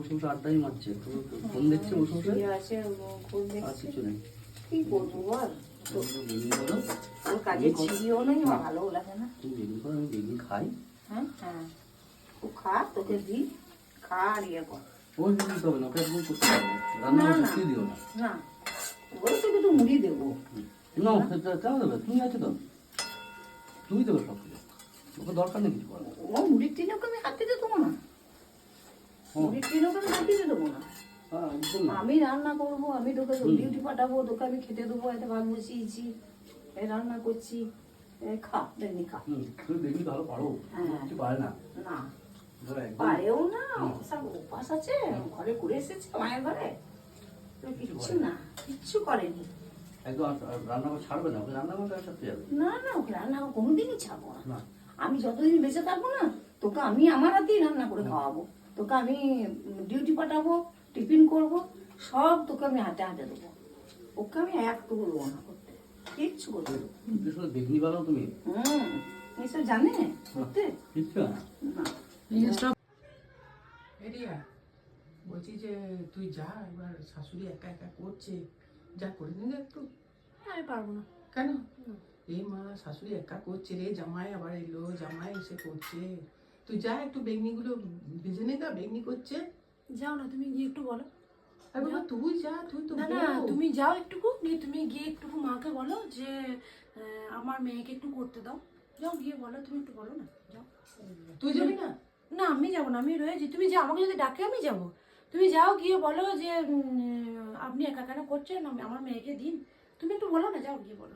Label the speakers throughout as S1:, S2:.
S1: মৌসুমটা আড্ডাই মারছে, ফোন দেখছে মৌসুমটা
S2: আছে, ফোন
S1: আর
S2: দেখছে।
S1: কিছু নেই।
S2: কি করবো বল,
S1: বলো
S2: ওর কাজে ছিড়িও নেই, আমার ভালো লাগে না।
S1: তুমি বেগুন করো, আমি বেগুন খাই।
S2: হ্যাঁ হ্যাঁ, ও খা, তোকে দি, খা আর ইয়ে কর।
S1: ওই বেগুন দিতে হবে না, ওকে একদম করতে হবে না, রান্না
S2: না, না।
S1: করতে দিও না।
S2: না, ওই তোকে তো মুড়ি দেবো।
S1: না কেন দেবে, তুমি আছো তো, তুমি দেবে সব কিছু, ওকে দরকার নেই কিছু করার।
S2: ও মুড়ির টিনে ওকে আমি হাত দিতে দেবো না, মুড়ির টিনে ওকে আমি হাত দিতে দেবো না।
S1: হ্যাঁ একদম না।
S2: আমি রান্না করবো, আমি তোকে ডিউটি পাঠাবো, তোকে আমি খেতে দেবো, এতে ভাত বসিয়েছি, এই রান্না করছি, খা, দেখনি খা।
S1: তুমি বেগুন ভালো পারো,
S2: হ্যাঁ।
S1: কিছু পারে না।
S2: না,
S1: ধরো একদম
S2: পারেও না, সব উপাস আছে, ঘরে করে এসেছে মায়ের ঘরে, কিচ্ছু না, কিচ্ছু করেনি।
S1: একদম রান্না করে ছাড়বে না, ওকে রান্না করতে সাথে যাবে
S2: না না, ওকে রান্না কোনোদিনই ছাড়বো না।
S1: না।
S2: আমি যতদিন বেঁচে থাকবো না, তোকে আমি আমার হাতেই রান্না করে খাওয়াবো, তোকে আমি ডিউটি পাঠাবো, টিফিন করব, সব তোকে আমি হাতে হাতে দেবো, ওকে আমি একটুকু দেবো না করতে, কিচ্ছু করতে দেবো।
S1: বিশেষ বেগুনি বানাও তুমি?
S2: এসব জানে করতে
S1: কিচ্ছু না।
S2: না।
S3: এরিয়া বলছি যে তুই যা, এবার শাশুড়ি একা একা করছে, যা করে নিলে একটু।
S4: আমি পারবো না।
S3: কেন? এই মা, শাশুড়ি একা করছে রে, জামাই আবার এলো, জামাই এসে করছে, তুই যা একটু বেগনিগুলো ভেজে নে, গা বেগনি করছে।
S4: যাও না, তুমি গিয়ে একটু বলো।
S3: আর বাবা তুই যা, তুই তো
S4: না না,
S3: বউ।
S4: তুমি যাও একটুকু, নিয়ে তুমি গিয়ে একটুকু মাকে বলো যে আমার মেয়েকে একটু করতে দাও। যাও গিয়ে বলো, তুমি একটু বলো না, যাও।
S3: তুই যাবি না?
S4: না, আমি যাবো না, আমি রয়েছি। তুমি যাও, আমাকে যদি ডাকে আমি যাবো। তুমি যাও গিয়ে বলো যে আপনি একা কেন করছেন, আমার মেয়েকে দিন। তুমি একটু বলো না, যাও গিয়ে বলো।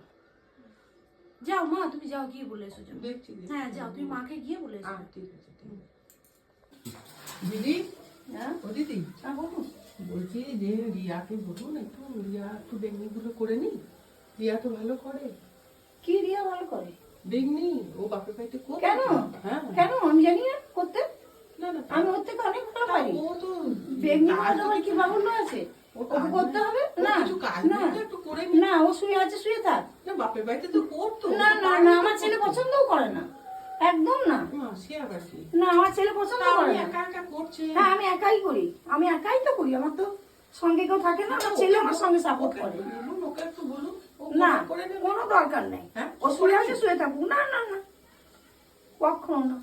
S4: যাও মা, তুমি যাও গিয়ে বলে এসো, যাও।
S3: দেখছি
S4: হ্যাঁ যাও, তুমি মাকে গিয়ে বলে এসো।
S3: ঠিক আছে, ঠিক আছে। দিদি,
S2: হ্যাঁ
S3: ও দিদি,
S2: বলুন।
S3: বলছি যে রিয়াকে বলুন একটু, রিয়া একটু বেগনিগুলো করে নি, রিয়া তো ভালো করে
S2: কি রিয়া ভালো করে?
S3: বেগনি, ও বাপের বাড়িতে করে।
S2: কেন?
S3: হ্যাঁ,
S2: কেন আমি জানি না করতে,
S3: না না,
S2: আমি ওর থেকে অনেক ভালো পারি।
S3: ও তো
S2: বেগনি মাছ আবার কি বাবুল্য আছে, ওকে করতে হবে
S3: ও
S2: না?
S3: কিছু কাজ
S2: না
S3: নেই তো, একটু করে নি।
S2: না, ও শুয়ে আছে, শুয়ে থাক।
S3: না, বাপের বাড়িতে তো করতো।
S2: না না না, আমার ছেলে পছন্দও করে না, একদম না।
S3: মা, সে আবার কি?
S2: না, আমার ছেলে পছন্দ
S3: তাও
S2: করে না।
S3: একা একা করছে।
S2: হ্যাঁ, আমি একাই করি, আমি একাই তো করি, আমার তো সঙ্গে কেউ থাকে না, আমার ছেলে আমার সঙ্গে সাপোর্ট
S3: ওকে
S2: করে।
S3: একটু বলুন, ওকে একটু বলুন, ও
S2: না,
S3: করে নেবে।
S2: কোনো দরকার নেই।
S3: হ্যাঁ?
S2: ও শুয়ে আছে, শুয়ে থাকুক। না না না, কখনো না,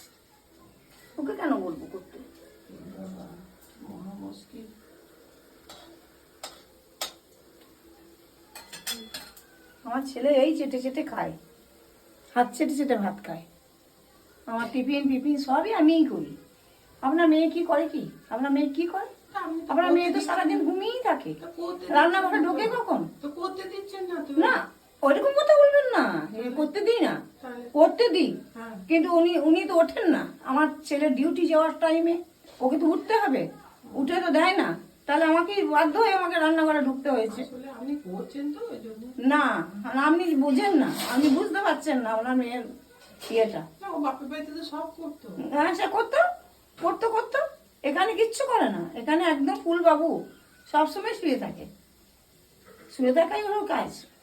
S2: ওকে কেন বলবো করতে?
S3: মহা মুশকিল।
S2: আমার ছেলে এই চেটে চেটে খায়, হাত চেটে চেটে ভাত খায়, আমার টিফিন ফিফিন সবই আমিই করি। আপনার মেয়ে কি করে? কি আপনার মেয়ে কি করে?
S3: তা আপনি তো
S2: আপনার মেয়ে তো
S3: করতে
S2: সারাদিন ঘুমিয়েই থাকে,
S3: তো করতে
S2: রান্নাঘরে ঢোকে কখন?
S3: তো করতে দিচ্ছেন না তো।
S2: না, ওইরকম কথা বলবেন না, করতে দিই না,
S3: তাহলে?
S2: করতে দিই,
S3: হ্যাঁ।
S2: কিন্তু উনি তো ওঠেন না। আমার ছেলে ডিউটি যাওয়ার টাইমে ওকে তো উঠতে হবে, উঠে তো দেয় না, তাহলে আমাকে বাধ্য হয়ে আমাকে রান্নাঘরে ঢুকতে হয়েছে।
S3: আসলে আপনি করছেন তো ওই জন্য।
S2: না, আপনি বুঝেন না, আপনি বুঝতে পারছেন না ওনার মেয়ের ইয়েটা।
S3: না, ও বাপের বাড়িতে তো সব করতো।
S2: হ্যাঁ, সে করতো করতো করতো, এখানে কিচ্ছু করে না, এখানে একদম ফুল বাবু, সবসময় শুয়ে থাকে, শুয়ে থাকাই হলো কাজ।